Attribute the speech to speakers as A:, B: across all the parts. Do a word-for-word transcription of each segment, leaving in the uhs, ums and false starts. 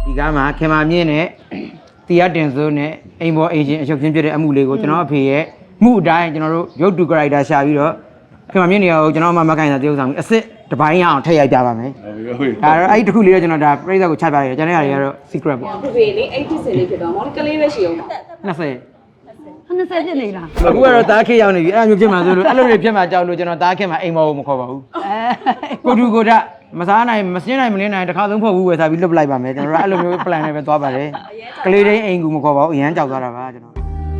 A: ဒီကားမှာခင်မာမြင့်နဲ့တရားတင်စိုးနဲ့အိမ်ပေါ်အေဂျင်အချုပ်ချင်းပြတဲ့အမှုလေးကိုကျွန်တော်အဖေရဲ့မှုအတိုင်းကျွန်တော်တို့ရုပ်တူ character ရှာပြီးတော့ခင်မာမြင့်နေရာကိုကျွန်တော်မှမခိုင်တာတရုပ်ဆောင်ပြီးအစ်စ်တစ်ပိုင်းရအောင်ထည့်ရိုက်ပြပါမယ်ဟုတ်ပြီဒါတော့အဲ့ဒီတစ်ခုလေးတော့ကျွန်တော်ဒါပြိဿကိုချပြရတယ်ကျွန်တော်ရတယ်ကတော့ secret ပေါ့
B: ဖေဖေလေးအဲ့ဒီစင်လေးဖြစ်တော့မောင်ကလေးပဲရှိအောင်ပါ
A: နှစ်ဆယ်
C: နှစ်ဆယ်ဖြစ်နေလား
A: အခုကတော့တားခေရောက်နေပြီအဲ့လိုမျိုးဖြစ်မှာဆိုလို့အဲ့လိုတွေဖြစ်မှာကြောက်လို့ကျွန်တော်တားခေမှာအိမ်မောကိုမခေါ်ပါဘူးအဲကိုတူကိုဒမစားနိုင်မစင်းနိုင်မလင်းနိုင်တခါသုံးဖို့ဘူးဝယ်စားပြီးလွတ်ပလိုက်ပါမယ်ကျွန်တော်တို့အဲ့လိုမျိုး plan နဲ့ပဲသွားပါတယ်ကလေးတိုင်းအိမ်ကူမခေါ်ပါဘူးအရန်ကြောက်သွားတာပါကျွန်တော်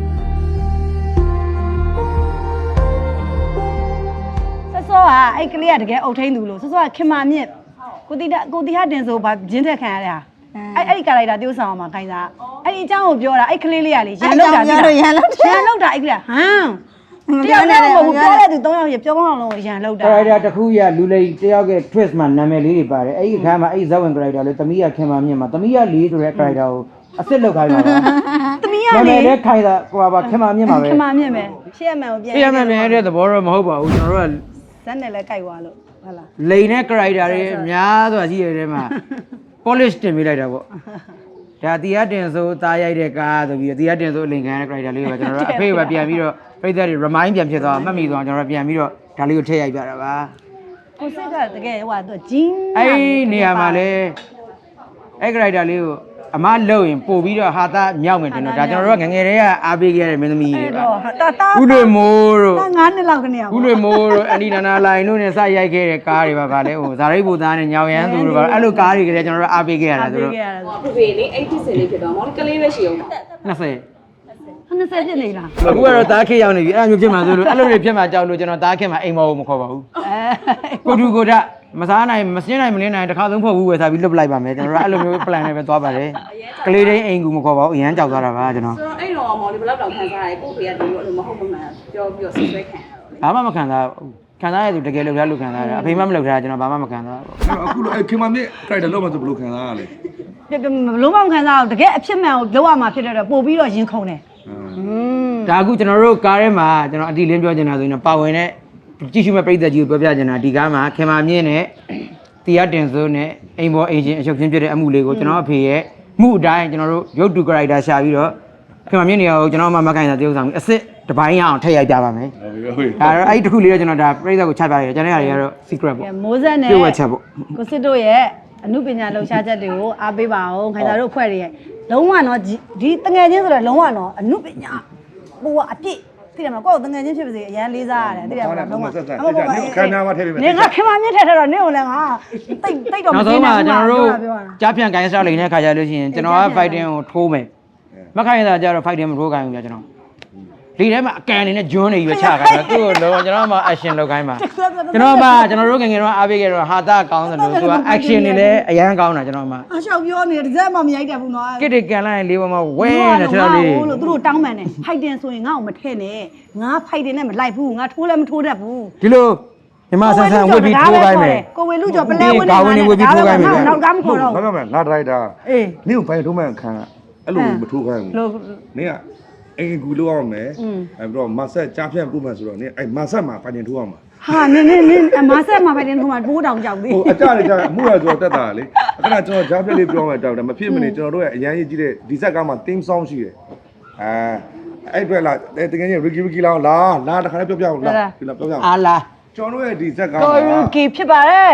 C: ဆော့ဆော့ကအဲ့ကလေးကတကယ်အုတ်ထိန်သူလို့ဆော့ဆော့ကခင်မာမြင့်ကိုတီကိုတီဟာတင်ဆိုဘာဂျင်းထက်ခံရတဲ့ဟာအဲ့အဲ့ဒီကာလိုက်တာတိုးဆောင်မှာခိုင်းစားအဲ့ဒီအကြောင်းကိုပြောတာအဲ့ကလေးလေးကလေရန်လောက်တာရန်လောက်ရန်လောက်တာအဲ့ကလေးဟမ်တယောက်နဲ့မဟုတ်ပြောတဲ့သူ၃ယောက်ရပြောကောင်းအောင်လုံးရန်လောက်တာ
A: character တစ်ခုရလူလိတယောက်က twist မှာနာမည်လေးတွေပါတယ်အဲ့ဒီအခါမှာအဲ့ဇဝင် character လေးသမီးရခင်မာမြင့်မှာသမီးရလေးဆိုတဲ့ character ကိုအစ်စ်လောက်ခိုင်းပါပါ
C: သမီးရ
A: လေးနာမည်လေးခိုင်းတာဟိုပါခင်မာမြင့်မှာပဲ
C: ခင်မာမြင့်ပဲရှေ့အမှန်ကိုပြန်
A: ရှေ့အမှန်ပြန်တဲ့သဘောတော့မဟုတ်ပါဘူးကျွန်တော်တို့က
C: ဇက်နဲ့လည်းကြိုက်သွားလို့ဟုတ်လား
A: လိန်နဲ့ character တွေအများစွာရှိရတဲ့မှာ polish တင်ပေးလိုက်တာပေါ့ဒါတရားတင်ဆိုသားရိုက်တဲ့ကားဆိုပြီးတရားတင်ဆိုအလင်ခံရတဲ့ character လေးကိုပဲကျွန်တော်တို့အဖေကပြန်ပြီးတော့ပြည်သက်တွေ remind ပြန်ဖြစ်သွားမှတ်မိသွားကျွန်တော်တို့ပြန်ပြီးတော့ဒါလေးကိုထည့်ရိုက်ပြတာပါ
C: ကိုစစ်ကတကယ်ဟိုကသူဂျင်း
A: အဲ့နေရာမှာလေအဲ့ character လေးကိုအမလှုပ်ရင်ပို့ပြီးတော့ဟာသားမြောက်မယ်တင်တော့ဒါကျွန်တော်တို့ကငငယ်တည်းကအားပေးခဲ့ရတဲ့မင်းသမီးတွေပါဥလွေမိုးတို့
C: ငါးနှစ်လောက်ကနေ
A: ဥလွေမိုးတို့အန်ဒီနာနာလိုင်တို့နဲ့စရိုက်ခဲ့တဲ့ကားတွေပါဗာလေဟိုဇာရိတ်ဘူသားနဲ့ညောင်ရမ်းသူတို့ပါအဲ့လိုကားတွေကလည်းကျွန်တော်တို့အားပေးခဲ့ရတာဆိုတော့
B: ဖေဖေလေးအဲ့ဒီစင်လေးဖြစ်တော့မောင်ကလေးပဲရှိအောင်ပါ
A: နှစ်ဆယ်
C: နှစ်ဆယ်ဖြစ်နေလား
A: အခုကတော့တားခေရောက်နေပြီအဲ့လိုမျိုးဖြစ်မှာဆိုလို့အဲ့လိုတွေဖြစ်မှာကြောက်လို့ကျွန်တော်တားခေမှာအိမ်မောကိုမခေါ်ပါဘူးအဲကိုတူကိုဒမစားနိုင်မစင်းနိုင်မလင်းနိုင်တခါသုံးဖို့ဘူးဝယ်စားပြီးလွတ်ပလိုက်ပါမယ်ကျွန်တော်တို့အဲ့လိုမျိုး plan နဲ့ပဲသွားပါတယ်ကလေးတိုင်းအိမ်ကူမခေါ်ပါဘူးအရန်ကြောက်သွားတာပါကျွန်တော်
B: ဆိုတော့အဲ့တော့မောင်လေးဘယ်လောက်တောင်ခံစားရလဲကိုဖေကတူလို့အဲ့လိုမဟုတ်မှန်ပြောပြီးတော့ဆွဆွဲခံရ
A: တာဘာမှမခံစားခံစားရသူတကယ်လောက်ရလို့ခံစားရအဖေမှမလောက်ထားကျွန်တော်ဘာမှမခံစား
D: ဘူးအခုလိုအဲ့ခင်မမြင့် character လောက်မှဆိုဘယ်လိုခံစားရလဲ
C: လုံးဝမခံစားဘူးတကယ်အဖြစ်မှန်ကိုလောက်ရမှာဖြစ်တော့ပို့ပြီးတော့ရင်ခုန်တယ်
A: ဒါအခုကျွန်တော်တို့ကားထဲမှာကျွန်တော်အတီလင်းပြောချင်တာဆိုရင်ပါဝင်တဲ့ကြည့်ရှုမဲ့ပြည်သက်ကြီးကိုပြောပြချင်တာဒီကားမှာခင်မာမြင့်နဲ့တရားတင်စိုးနဲ့အိမ်ပေါ်အေဂျင်အချုပ်ချင်းပြတဲ့အမှုလေးကိုကျွန်တော်အဖေရဲ့မှုအတိုင်းကျွန်တော်တို့ရုပ်တူ character ရှာပြီးတော့ခင်မာမြင့်နေရာကိုကျွန်တော်မှမခိုင်တာတရုပ်ဆောင်ပြီးအစ်စ်တစ်ပိုင်းရအောင်ထည့်ရိုက်ပြပါမယ်ဟုတ်ပြီဒါတော့အဲ့ဒီတစ်ခုလေးတော့ကျွန်တော်ဒါပြိဿကိုချပြရတယ်ကျွန်တော်ရတယ်ကတော့ secret ပေါ့
C: မိုးဆက်နဲ့
A: ပြုတ်ဝက်ချက်ပေါ့
C: ကိုစစ်တို့ရဲ့အမှုပညာလှူရှားချက်တွေကိုအားပေးပါအောင်ခိုင်တာတို့ဖွဲ့တွေရဲ့လုံးဝတော့ဒီတငယ်ချင်းဆိုတော့လုံးဝတော့အမှုပညာဟိုကအပြည့်သိတယ်မလားကိုယ်တငယ်ချင်းဖြစ်ပါစေအရန်လေးစားရတယ်သိတယ်မလားလုံးဝ
D: ခန္ဓာမှာထည့်ပေးမယ်
C: နေငါခင်မမြင့်ထည့်ထည့်တော့နေကိုလည်းငါတိတ်တိတ်တော့မသိ
A: ဘူးနောက်ဆုံးမှကျွန်တော်တို့ကြားပြန်ကိုင်းစားလိမ့်တဲ့ခါကြလို့ရှိရင်ကျွန်တော်က fighting ကိုထိုးမယ်မခိုင်တာကြတော့ fighting မထိုးခိုင်းဘူးကြာကျွန်တော်ဒီထဲမှာအကန်နေနဲ့ဂျွန်းနေပြီးချခိုင်းတာသူ့ကိုလုံးကျွန်တော်မှ action လုပ်ခိုင်းပါကျွန်တော်မှကျွန်တော်တို့ငငယ်တော့အားပေးခဲ့တော့ဟာတာကောင်းတယ်လို့သူက action နေလဲအရန်ကောင်းတာကျွန်တော်မှ
C: အလျှောက်ပြောနေတယ်တစ်စက်မှမရိုက်တတ်ဘူးနော်
A: ကစ်တွေကန်လိုက်လေးပေါ်မှာဝဲနေတယ်ကျွန်တော်လေး
C: လို့သူတို့တောင်းပန်တယ် fighting ဆိုရင်ငါ့ကိုမထည့်နဲ့ငါ fighting နဲ့မလိုက်ဘူးငါထိုးလည်းမထိုးတတ်ဘူး
A: ဒီလိုညီမဆန်းဆန်းဝစ်ပြီးထိုးခိုင်းမယ်
C: ကိုဝေလူကျော်ပလဲဝစ်နေ
A: ဝစ်ပြီးထိုးခိုင်းမယ်
C: နောက်ကားမခေါ်တော့
D: ဘာမှမငါဒရိုက်တာ
C: အေး
D: နင့်ကိုဖိုင်ထိုးမှန်ခံအဲ့လိုမထိုးခိုင်းဘူးနင့်ကအိမ်ကူလို့အောင်မယ်အဲ့ပြီးတော့မဆက်ကြားဖြန့်ပြုမှဆိုတော့နင်အဲ့မဆက်မှာဖိုင်တင်ထိုးအောင်ပါ
C: ဟာနင်နင်နင်မဆက်မှာဖိုင်တင်ထိုးမှာတိုးတောင်ကြောက်သေး
D: ဟိုအကြလေကြာအမှုရဆိုတော့တက်တာလေအခဏကျွန်တော်ကြားဖြန့်လေးပြောမယ်တောက်တယ်မဖြစ်မနေကျွန်တော်တို့ရဲ့အရန်ကြီးကြီးတဲ့ဒီဇက်ကားမှာ theme song ရှိတယ်အဲအဲ့အတွက်လာတကယ်ကြီး Ricky Ricky လာလာလာတခါလေးပြောပြအောင်လာဒီလာပြောပြအောင်
A: အာလာ
D: ကျွန်တော်တို့ရဲ့ဒီဇက်ကားမှာ
C: Ricky ဖြစ်ပါတယ်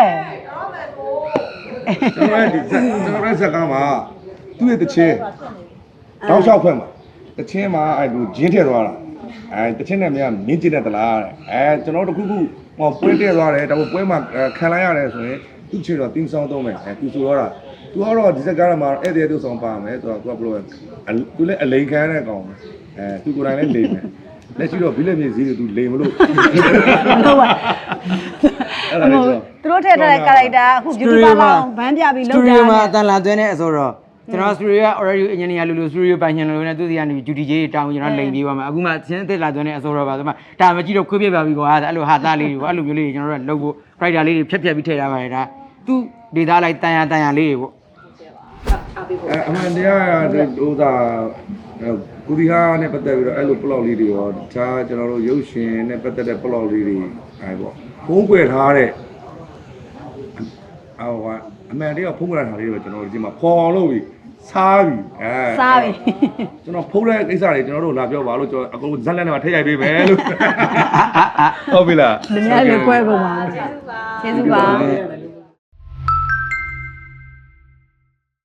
D: ကျွန်တော်ရဲ့ဒီဇက်ကျွန်တော်ရဲ့ဇက်ကားမှာသူ့ရဲ့တချင်းတောက်လျှောက်ဖွဲ့မှာတချင်းမှာအဲ့လိုဂျင်းထည့်သွားတာအဲတချင်းနဲ့မင်းကမင်းကျင်တဲ့တလားတဲ့အဲကျွန်တော်တို့တစ်ခုခုဟောပွဲတည့်သွားတယ်ဒါပေမဲ့ပွဲမှာခံလိုက်ရတယ်ဆိုရင်သူ့ချေတော့တင်းဆောင်သုံးမယ်အဲသူဆိုတော့တာသူကတော့ဒီစက်ကားမှာဧည့်သည်တို့ဆောင်ပါမယ်ဆိုတော့သူကဘယ်လိုသူလည်းအလိန်ခံရတဲ့ကောင်အဲသူကိုယ်တိုင်လည်းလိန်မယ်လက်ရှိတော့ဘီလက်မြေစည်းတွေသူလိန်မလို့
C: ဟုတ်ပါအဲ့ဒါလေးဆိုသူတို့ထည့်ထားတဲ့ character အခု beauty parlor ဘန်းပြပြီးလောက်တာ
A: studio မှာအတန်လာသွင်းတဲ့အဆိုတော့ကျွန်တော် studio က already engineer လူလူ studio ပိုင်ရှင်လူလူနဲ့သူစီကနေ duty ကြီးတောင်းကျွန်တော်လိန်ပြေးသွားမှာအခုမှသင်းအစ်စ်လာသွင်းတဲ့အဆိုတော့ပါဆိုမှဒါမကြည့်တော့ခွေးပြပါပြီကွာအဲ့လိုဟာသားလေးတွေအဲ့လိုမျိုးလေးတွေကျွန်တော်တို့ကလုပ်ဖို့ character လေးတွေဖြတ်ဖြတ်ပြီးထည့်ထားပါတယ်ဒါသူဒေတာလိုက်တန်ရတန်ရလေးတွေပေါ့
D: အဲအမှန်တရားဟိုသာကိုဒီဟာနဲ့ပတ်သက်ပြီးတော့အဲ့လို plot လေးတွေရောတခြားကျွန်တော်တို့ရုပ်ရှင်နဲ့ပတ်သက်တဲ့ plot လေးတွေအဲပေါ့ဖုံးကွယ်ထားတဲ့ဟိုကအမှန်တရားဖုံးကွယ်ထားတာလေးတွေကျွန်တော်တို့ဒီမှာပေါ်လို့ပြီးစားပြီအဲ
C: စားပြီ
D: ကျွန်တော်ဖုန်းတဲ့ကိစ္စတွေကျွန်တော်တို့လာပြောပါလို့ကျွန်တော်အကုန်ဇက်လက်နဲ့မှာထည့်ရိုက်ပေးမယ်လို့ဟုတ်ပြီလား
C: လူများလည်းကွဲကုန်ပါကျေးဇူးပါ